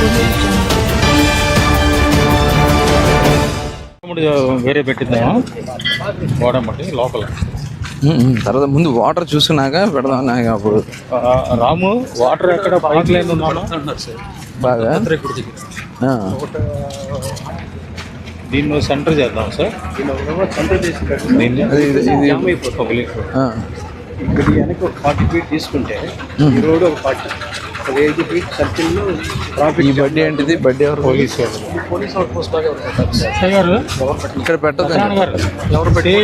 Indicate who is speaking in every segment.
Speaker 1: వేరే పెట్టిద్దామా వాడమంటే లోపల
Speaker 2: తర్వాత ముందు వాటర్ చూసుకున్నాక పెడదాం. అప్పుడు
Speaker 1: రాము వాటర్ ఎక్కడ పైప్ లైన్ ఉందా
Speaker 2: బాగా
Speaker 1: దీన్ని సెంటర్ చేద్దాం సార్. సెంటర్ చేసి
Speaker 3: ఇక్కడ వెనక ఒక 40 ఫీట్ తీసుకుంటే ఈ రోడ్ ఒక 40 80 ఫీట్ సర్కిల్లో
Speaker 2: ఈ బడ్డీ ఏంటిది? బడ్డీ ఎవరు?
Speaker 1: పోలీస్
Speaker 3: పోలీస్ అవుట్ పోస్ట్ లాగా
Speaker 2: ఇక్కడ పెట్టదు.
Speaker 3: ఎవరు పెట్టి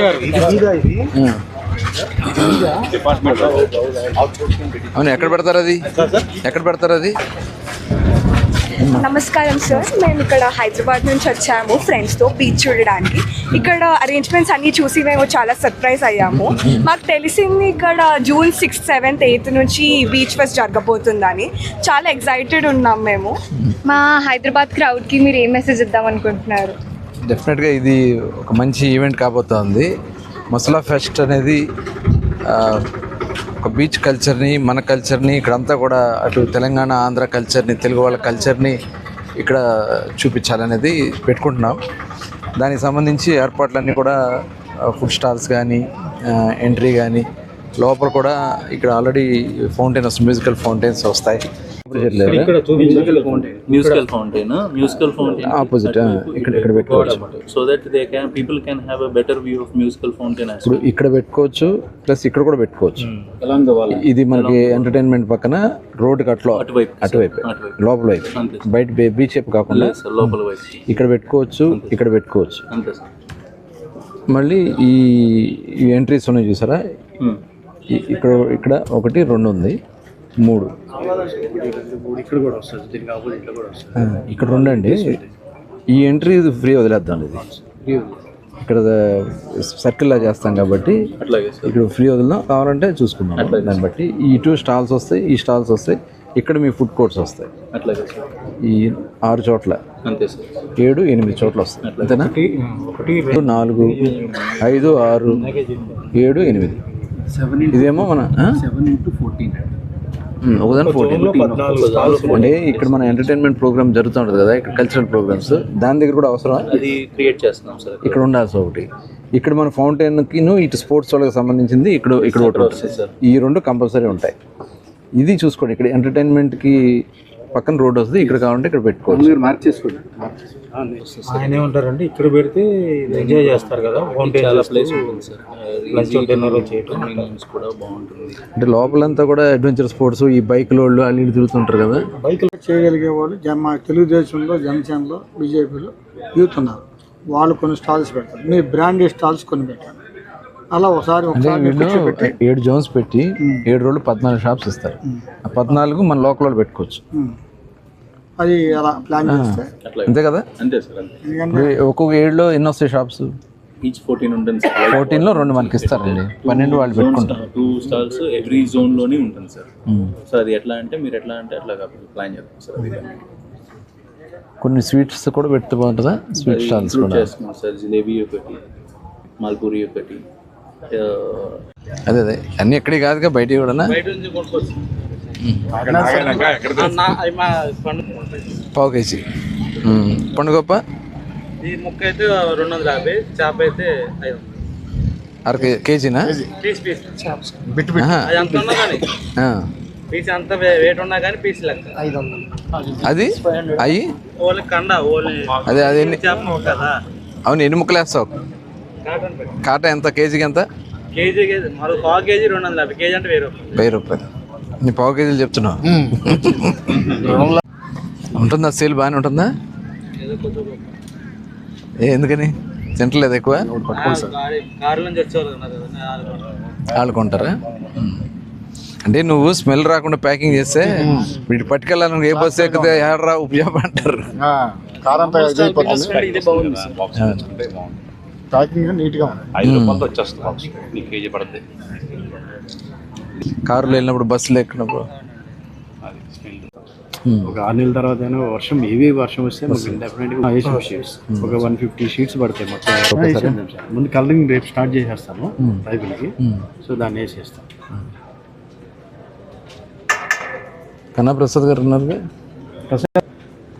Speaker 3: డిపార్ట్మెంట్
Speaker 2: అవును, ఎక్కడ పెడతారు అది? ఎక్కడ పెడతారు అది?
Speaker 4: నమస్కారం సార్, మేము ఇక్కడ హైదరాబాద్ నుంచి వచ్చాము ఫ్రెండ్స్తో బీచ్ చూడడానికి. ఇక్కడ అరేంజ్మెంట్స్ అన్నీ చూసి మేము చాలా సర్ప్రైజ్ అయ్యాము. మాకు తెలిసింది ఇక్కడ జూన్ 6th, 7th, 8th నుంచి బీచ్ ఫెస్ట్ జరగబోతుందని. చాలా ఎక్సైటెడ్ ఉన్నాం మేము. మా హైదరాబాద్ క్రౌడ్కి మీరు ఏం మెసేజ్ ఇద్దాం అనుకుంటున్నారు?
Speaker 2: డెఫినెట్గా ఇది ఒక మంచి ఈవెంట్ కాబోతోంది. మసాలా ఫెస్ట్ అనేది ఒక బీచ్ కల్చర్ని, మన కల్చర్ని ఇక్కడంతా కూడా అటు తెలంగాణ, ఆంధ్ర కల్చర్ని, తెలుగు వాళ్ళ కల్చర్ని ఇక్కడ చూపించాలనేది పెట్టుకుంటున్నాం. దానికి సంబంధించి ఏర్పాట్లన్నీ కూడా ఫుడ్ స్టాల్స్ కానీ, ఎంట్రీ కానీ, లోపల కూడా ఇక్కడ ఆల్రెడీ ఫౌంటైన్ వస్తుంది, మ్యూజికల్ ఫౌంటైన్స్ వస్తాయి.
Speaker 5: మ్యూజికల్ ఫౌంటైన్
Speaker 2: ఆపోజిట్ ఇక్కడ పెట్టుకోవచ్చు.
Speaker 5: So that they can people can have a better view of musical fountain.
Speaker 2: ఇప్పుడు ఇక్కడ పెట్టుకోవచ్చు, ప్లస్ ఇక్కడ కూడా పెట్టుకోవచ్చు. ఇది మనకి ఎంటర్టైన్మెంట్ పక్కన రోడ్డుకి అటువైపు లోపల వైపు, బయట బీచ్ వైపు కాకుండా
Speaker 5: లోపల వైపు
Speaker 2: ఇక్కడ పెట్టుకోవచ్చు, ఇక్కడ పెట్టుకోవచ్చు.
Speaker 5: అంతే సార్.
Speaker 2: మళ్ళీ ఈ ఎంట్రీస్ ఉన్నాయి చూసారా, ఇక్కడ 1, 2 ఉంది, 3
Speaker 3: ఇక్కడ కూడా వస్తుంది, దీనికి ఆపోజిట్లో కూడా వస్తుంది.
Speaker 2: ఇక్కడ 2 అండి. ఈ ఎంట్రీ ఫ్రీ వదిలేద్దాం. ఇది ఇక్కడ సర్కిల్లా చేస్తాం కాబట్టి ఇక్కడ ఫ్రీ వదిలేద్దాం. కావాలంటే చూసుకుందాం. దాన్ని బట్టి ఈ 2 స్టాల్స్ వస్తాయి, ఈ స్టాల్స్ వస్తాయి. ఇక్కడ మీ ఫుడ్ కోర్ట్స్ వస్తాయి.
Speaker 5: అట్లాగే సార్.
Speaker 2: ఈ 6 చోట్ల,
Speaker 5: అంతే సార్.
Speaker 2: 7, 8 చోట్ల వస్తాయి. అంతేనా? 1, 4, 5, 6, 7, 8. ఇదేమో మన
Speaker 3: 7 into 14
Speaker 2: ఒకదాని 14 అంటే ఇక్కడ మన ఎంటర్టైన్మెంట్ ప్రోగ్రామ్ జరుగుతూ ఉంటుంది కదా, ఇక్కడ కల్చరల్ ప్రోగ్రామ్స్, దాని దగ్గర కూడా అవసరం.
Speaker 5: అది క్రియేట్ చేస్తున్నాం సార్.
Speaker 2: ఇక్కడ ఉండాల్సి ఒకటి. ఇక్కడ మన ఫౌంటైన్కి ఇటు స్పోర్ట్స్ వాళ్ళకి సంబంధించింది ఇక్కడ ఒకటి ఉంటుంది. ఈ 2 కంపల్సరీ ఉంటాయి. ఇది చూసుకోండి. ఇక్కడ ఎంటర్టైన్మెంట్కి పక్కన రోడ్ వస్తుంది, ఇక్కడ కావాలంటే ఇక్కడ పెట్టుకోవచ్చు.
Speaker 3: మీరు మార్క్ చేసుకోండి.
Speaker 1: ఆయన ఏమంటారంటే ఇక్కడ పెడితే ఎంజాయ్ చేస్తారు కదా,
Speaker 5: చాలా ప్లేస్ ఉంటుంది సార్.
Speaker 1: లంచ్ డిన్నర్ చేయడం
Speaker 5: కూడా బాగుంటుంది.
Speaker 2: అంటే లోపలంతా కూడా అడ్వెంచర్ స్పోర్ట్స్, ఈ బైక్ లోళ్ళు అన్ని తిరుగుతుంటారు కదా.
Speaker 3: బైక్లు చేయగలిగే వాళ్ళు మా తెలుగుదేశంలో, జనసేనలో, బీజేపీలో యూత్ ఉన్నారు. వాళ్ళు కొన్ని స్టాల్స్ పెడతారు. మీ బ్రాండెడ్ స్టాల్స్ కొన్ని పెట్టారు. అలా ఒకసారి
Speaker 2: 7 జోన్స్ పెట్టి 7 రోజులు 14 షాప్స్ ఇస్తారు. ఆ 14 మన లోకల్ వాళ్ళు పెట్టుకోవచ్చు.
Speaker 3: అది అలా ప్లాన్ చేస్తే
Speaker 2: అంతే కదా.
Speaker 5: అంతే సార్.
Speaker 3: ఎందుకంటే
Speaker 2: ఒక్కొక్క 7లో ఎన్ని వస్తాయి షాప్స్?
Speaker 5: ఈచ్ 14 ఉంటుంది సార్.
Speaker 2: 14లో 2 మనకి ఇస్తారండి. 12 వాళ్ళు పెట్టుకుంటారు.
Speaker 5: 2 స్టాల్స్ ఎవ్రీ జోన్ లోనే ఉంటుంది సార్. సో అది ఎట్లా అంటే మీరు ఎట్లా అంటే అట్లా ప్లాన్ చేస్తాం సార్. అది
Speaker 2: కొన్ని స్వీట్స్ కూడా పెడితే బాగుంటుందా? స్వీట్ స్టాల్స్ కూడా
Speaker 5: చేస్తున్నాం సార్. జిలేబీ ఒకటి, మాల్పూరి ఒకటి.
Speaker 2: అదే అన్నీ ఎక్కడే కాదుగా, బయట కూడా. పావు కేజీ పండుగప్ప.
Speaker 1: ఈ ముక్క అయితే 250, చేప అయితే 500.
Speaker 2: అర కేజీనా?
Speaker 1: పీస్ అంత వెయిట్ ఉన్నా కానీ పీస్ లెక్క 500.
Speaker 2: అది అయ్యి
Speaker 1: ఓన్లీ కండ, ఓన్లీ
Speaker 2: అదే ఎన్ని
Speaker 1: చేప ముక్క కదా.
Speaker 2: అవును, ఎన్ని ముక్కలు వేస్తావు? కాట ఎంత కేజీకి? ఎంత
Speaker 1: కేజీకి? మరో పావు కేజీ 250, కేజీ అంటే 1000
Speaker 2: రూపాయలు. నీ పావు కేజీలు చెప్తున్నావు. ఉంటుందా సేల్? బాగానే ఉంటుందా? ఎందుకని తింటలేదు ఎక్కువ?
Speaker 1: కారు నుంచి వచ్చేవాళ్ళు
Speaker 2: వాళ్ళు కొంటారా? అంటే నువ్వు స్మెల్ రాకుండా ప్యాకింగ్ చేస్తే వీటి పట్టుకెళ్ళాలని ఏ బస్సు ఎక్కితే ఏడరా ఉపయోగ అంటారు. కారులో వెళ్ళినప్పుడు, బస్సులో ఎక్కినప్పుడు
Speaker 3: ఒక 6 నెలల తర్వాత అయినా వర్షం, హెవీ వర్షం వస్తే డెఫినెట్గా షీట్స్ ఒక 150 షీట్స్ పడతాయి మొత్తం. ముందు కలరింగ్ రేపు స్టార్ట్ చేసేస్తాను రైతులకి. సో దాన్ని వేసేస్తాను.
Speaker 2: కన్నా ప్రసాద్ గారు ఉన్నారు.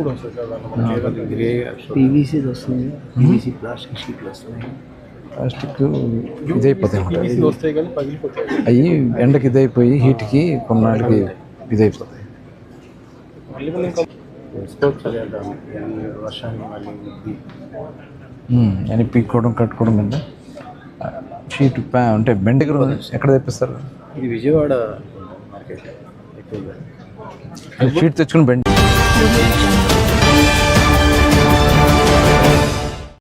Speaker 1: కూడా వస్తుంది కదా
Speaker 3: గ్రే పీవీసీ వస్తుంది, పీవీసీ ప్లాస్టిక్ షీట్లు వస్తున్నాయి.
Speaker 2: ప్లాస్టిక్ ఇదైపోతాయి అన్నమాట.
Speaker 1: PVC వస్తాయి కానీ పగిలిపోతాయి.
Speaker 2: అవి ఎండకి ఇదైపోయి హీట్కి కొన్నాళ్ళకి ఇదైపోతాయి.
Speaker 1: మళ్ళీ మనం ఇంకా
Speaker 3: వేసుకోవచ్చు కదా ఈ వర్షాన్ని మళ్ళీ ఉద్ది.
Speaker 2: అని పీక్కోవడం కట్టుకోవడం కింద షీట్ అంటే బెండ్ దగ్గర ఎక్కడ తెప్పిస్తారు?
Speaker 3: ఇది విజయవాడ మార్కెట్ ఎక్కువగా.
Speaker 2: షీట్ తెచ్చుకుని బెండ్